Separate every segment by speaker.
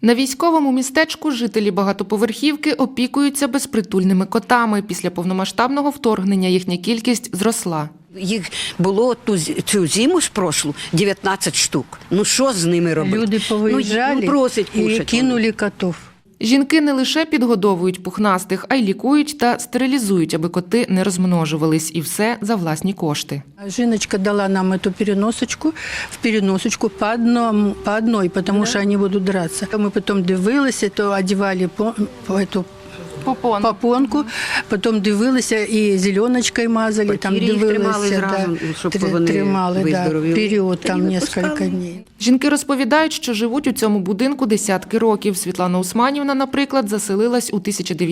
Speaker 1: На військовому містечку жителі багатоповерхівки опікуються безпритульними котами. Після повномасштабного вторгнення їхня кількість зросла.
Speaker 2: Їх було цю зиму ж прошлу 19 штук. Ну що з ними робити?
Speaker 3: Люди повиїжджали
Speaker 2: просять
Speaker 3: і
Speaker 2: кушать
Speaker 3: кинули котів.
Speaker 1: Жінки не лише підгодовують пухнастих, а й лікують та стерилізують, аби коти не розмножувались. І все за власні кошти.
Speaker 3: Жіночка дала нам цю переносочку по одній, тому що вони будуть дратися. Ми потім дивилися, то одягали цю попонку, потім дивилися і зеленочкою мазали, там дивилися, тримали, період там кілька днів.
Speaker 1: Жінки розповідають, що живуть у цьому будинку десятки років. Світлана Усманівна, наприклад, заселилась у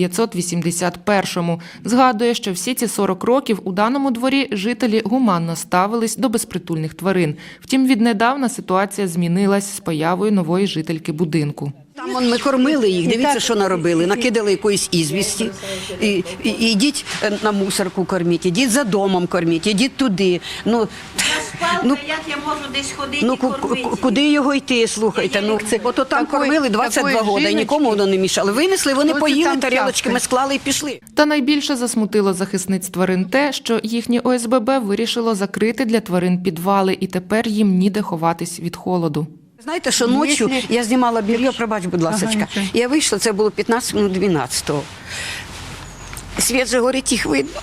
Speaker 1: 1981-му. Згадує, що всі ці 40 років у даному дворі жителі гуманно ставились до безпритульних тварин. Втім, віднедавна ситуація змінилась з появою нової жительки будинку.
Speaker 2: Там ми кормили їх, дивіться, що наробили. Накидали якоїсь ізвісті. Ідіть на мусорку корміть, ідіть за домом корміть, ідіть туди.
Speaker 4: Як я можу десь ходити і кормити?
Speaker 2: Куди його йти, слухайте? Ото там кормили 22 роки, нікому воно не мішало. Винесли, вони поїли, тарілочками склали і пішли.
Speaker 1: Та найбільше засмутило захисниць тварин те, що їхнє ОСББ вирішило закрити для тварин підвали, і тепер їм ніде ховатись від холоду.
Speaker 2: Знаєте, що ночі я знімала белье, пробач, будь ласка. Я вийшла, це було 15 минут 12-го. Світ же горить, їх видно.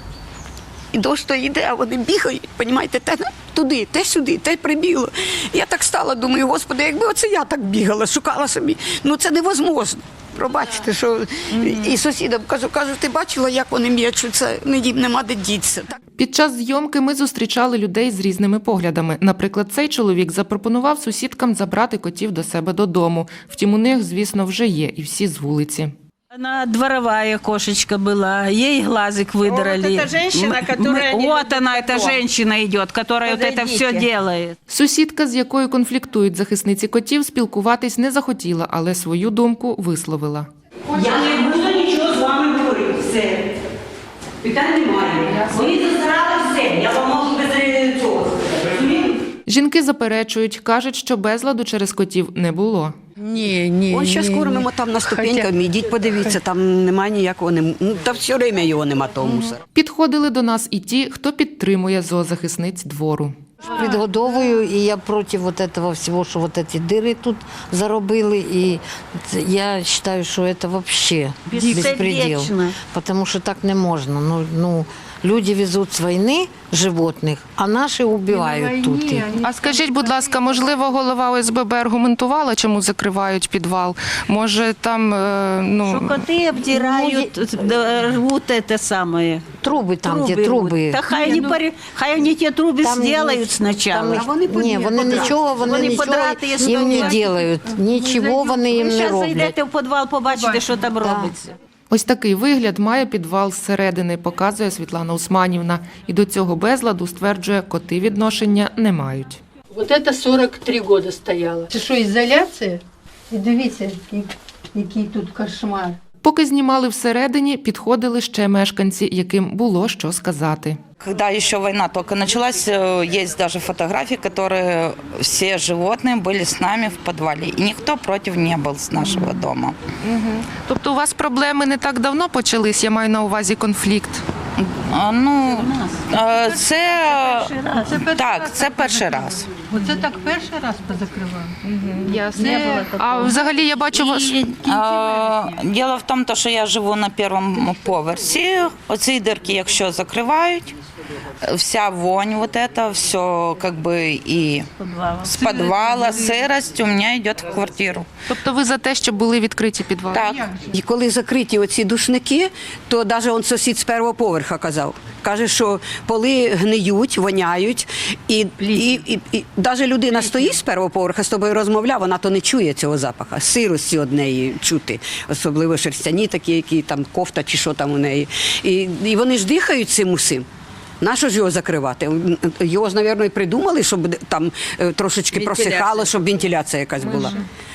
Speaker 2: І дощ то йде, а вони бігають, розумієте, те туди, те сюди, те прибігло. Я так стала, думаю, Господи, якби оце я так бігала, шукала собі. Ну це невозможно. Пробачте, що і сусідам кажу, ти бачила, як вони м'ячуться, їм нема де дітися.
Speaker 1: Під час зйомки ми зустрічали людей з різними поглядами. Наприклад, цей чоловік запропонував сусідкам забрати котів до себе додому. Втім, у них, звісно, вже є і всі з вулиці.
Speaker 5: Она дворовая кошечка была, ей глазик выдрали.
Speaker 4: Вот эта женщина, которая...
Speaker 5: Вот она, эта женщина идет, которая вот это все делает.
Speaker 1: Сусідка, з якою конфліктують захисниці котів, спілкуватись не захотіла, але свою думку висловила.
Speaker 6: Я не буду нічого з вами говорити, все. Питань немає. Вони застарали все, я вам можу без цього.
Speaker 1: Жінки заперечують, кажуть, що безладу через котів не було.
Speaker 3: Ні.
Speaker 2: Ось зараз кормимо там на ступеньках, ідіть подивіться, там немає ніякого, та все время його нема, того мусора.
Speaker 1: Підходили до нас і ті, хто підтримує зоозахисниць двору.
Speaker 7: Підгодовую, і я проти цього всього, що ці дири тут заробили, і я вважаю, що це взагалі безпреділ, тому що так не можна. Люди везуть з війни животних, а наші вбивають тут.
Speaker 1: А скажіть, будь ласка, можливо, голова ОСББ аргументувала, чому закривають підвал? Може, там,
Speaker 5: Что коты обдирают, рвут это самое.
Speaker 7: Труби там, ті труби.
Speaker 5: Да хай они те трубы сделают сначала.
Speaker 7: Ні, вони нічого їм не роблять. Нічого вони їм не
Speaker 5: Зараз
Speaker 7: роблять.
Speaker 5: зайдете в підвал, побачите, що там робиться.
Speaker 1: Ось такий вигляд має підвал зсередини, показує Світлана Усманівна. І до цього безладу, стверджує, коти відношення не мають.
Speaker 3: Ось це 43 роки стояло. Це що, ізоляція? І дивіться, який тут кошмар.
Speaker 1: Поки знімали всередині, підходили ще мешканці, яким було що сказати.
Speaker 8: Когда еще война только началась, есть даже фотографии, которые все животные были с нами в подвале. И никто против не был с нашего дома.
Speaker 1: Тобто у вас проблеми не так давно почались, я маю на увазі конфлікт?
Speaker 8: Це перший раз.
Speaker 3: Оце так перший раз позакривали?
Speaker 1: А взагалі я бачу вас...
Speaker 8: Діло в тому, що я живу на першому поверсі. Оці дирки, якщо закривають, вся вонь, вот это, все как бы и с подвала, сырость у меня идет в квартиру.
Speaker 1: Тобто ви за те, щоб були відкриті підвали?
Speaker 8: Так.
Speaker 2: І коли закриті оці душники, то навіть сусід з першого поверха казав. Каже, що поли гниють, воняють, і навіть людина стоїть з першого поверха, з тобою розмовляє, вона то не чує цього запаху, сирості однеї чути, особливо шерстяні такі, які там кофта чи що там у неї. І вони ж дихають цим усім. Нащо ж його закривати? Його ж, мабуть, і придумали, щоб там трошечки просихало, щоб вентиляція якась була.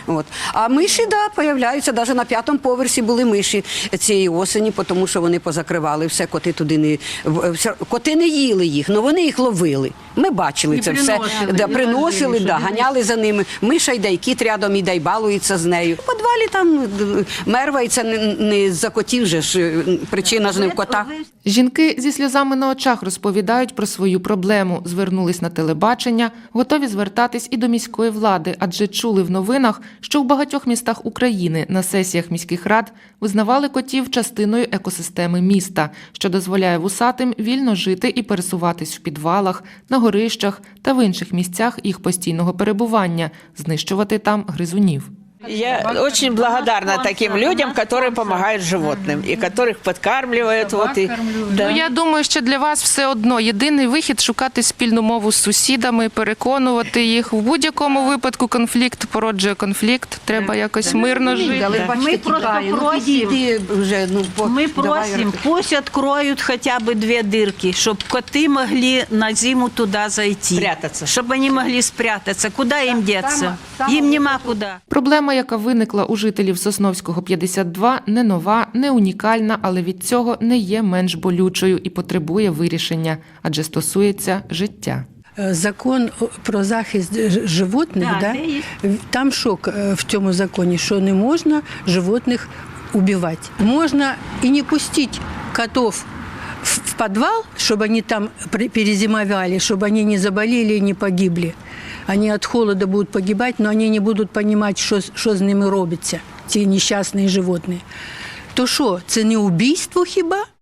Speaker 2: От. А миші, да, появляються. Навіть на 5-му поверсі були миші цієї осені, тому що вони позакривали все, коти туди не... Коти не їли їх, але вони їх ловили. Ми бачили це все. Да, приносили, да, ганяли за ними. Миша йде, і кіт рядом іде, і балується з нею. У підвалі там мерва, і це не за котів же ж, причина ж не в котах.
Speaker 1: Жінки зі сльозами на очах розповідають про свою проблему, звернулись на телебачення, готові звертатись і до міської влади, адже чули в новинах, що в багатьох містах України на сесіях міських рад визнавали котів частиною екосистеми міста, що дозволяє вусатим вільно жити і пересуватись в підвалах, на горищах та в інших місцях їх постійного перебування, знищувати там гризунів.
Speaker 9: Я очень благодарна таким людям, которые помогают животным и которых подкармливают. Вот, и, да.
Speaker 1: Ну, я думаю, що для вас все одно єдиний вихід – шукати спільну мову з сусідами, переконувати їх. В будь-якому випадку конфлікт породжує конфлікт, треба якось мирно жити.
Speaker 2: Але бачите,
Speaker 5: Ми просто
Speaker 2: тікає. Ну,
Speaker 5: просимо.
Speaker 2: підійди вже, ну,
Speaker 5: Мы
Speaker 2: давай,
Speaker 5: просим, пусть откроют хотя бы 2 дырки, чтобы коты могли на зиму туда зайти.
Speaker 9: Спрятаться.
Speaker 5: Чтобы они могли спрятаться. Куда им деться? Им нема куда.
Speaker 1: Проблема, яка виникла у жителів Сосновського 52, не нова, не унікальна, але від цього не є менш болючою і потребує вирішення, адже стосується життя.
Speaker 3: Закон про захист животних,
Speaker 5: Да,
Speaker 3: да,
Speaker 5: це
Speaker 3: там що в цьому законі, що не можна животних убивати. Можна і не пустити котів в підвал, щоб вони там перезимовали, щоб вони не заболіли і не погибли. Они от холода будут погибать, но они не будут понимать, що з ними робиться, ці нещасні животні. То що, це не убійство хіба?